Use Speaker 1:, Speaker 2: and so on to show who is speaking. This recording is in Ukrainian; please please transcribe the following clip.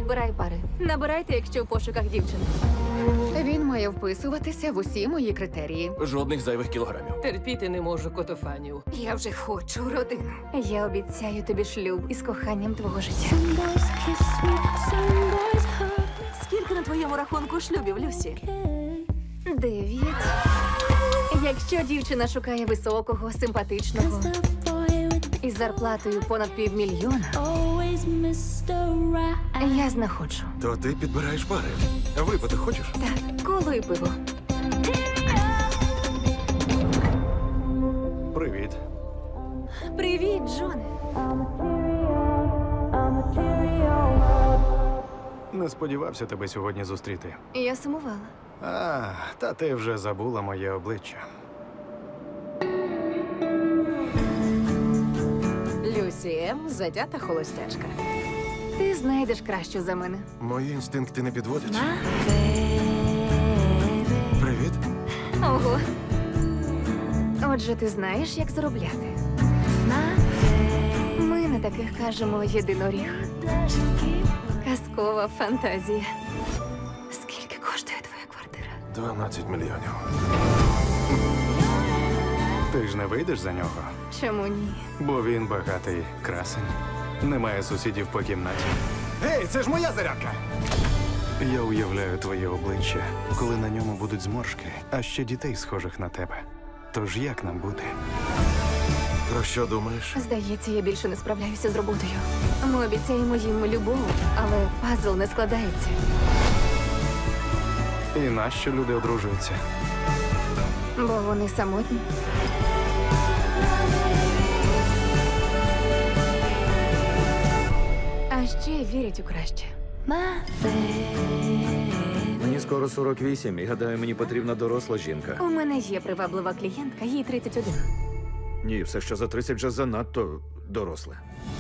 Speaker 1: Підбирай пари. Набирайте, якщо в пошуках дівчин.
Speaker 2: Він має вписуватися в усі мої критерії.
Speaker 3: Жодних зайвих кілограмів.
Speaker 4: Терпіти не можу котофанів.
Speaker 2: Я вже хочу родину.
Speaker 1: Я обіцяю тобі шлюб із коханням твого життя.
Speaker 5: Скільки на твоєму рахунку шлюбів, Люсі?
Speaker 1: 9. Якщо дівчина шукає високого, симпатичного із зарплатою понад 500 000, я знаходжу.
Speaker 3: То ти підбираєш пари. Випити хочеш?
Speaker 1: Так, коло і пиво.
Speaker 3: Привіт.
Speaker 1: Привіт, Джоне.
Speaker 6: Не сподівався тебе сьогодні зустріти.
Speaker 1: Я сумувала.
Speaker 6: Та ти вже забула моє обличчя.
Speaker 4: Люсі М. затята холостячка.
Speaker 1: Ти знайдеш кращу за мене.
Speaker 3: Мої інстинкти не підводять. Привіт.
Speaker 1: Ого. Отже, ти знаєш, як заробляти. Ми на таких кажемо єдиноріг. Казкова фантазія. Скільки коштує твоя квартира?
Speaker 3: 12 мільйонів.
Speaker 6: Ти ж не вийдеш за нього,
Speaker 1: Чому ні?
Speaker 6: бо він багатий красень. Немає сусідів по кімнаті. Гей, це ж моя зарядка! Я уявляю твоє обличчя, коли на ньому будуть зморшки, а ще дітей, схожих на тебе. Тож як нам бути?
Speaker 3: Про що думаєш?
Speaker 1: Здається, я більше не справляюся з роботою. Ми обіцяємо їм любов, але пазл не складається.
Speaker 6: І нащо люди одружуються?
Speaker 1: Бо вони самотні. А ще вірять у краще.
Speaker 7: Мені скоро 48, і гадаю, мені потрібна доросла жінка.
Speaker 1: У мене є приваблива клієнтка, їй 31.
Speaker 7: Ні, все, що за 30 вже занадто доросле.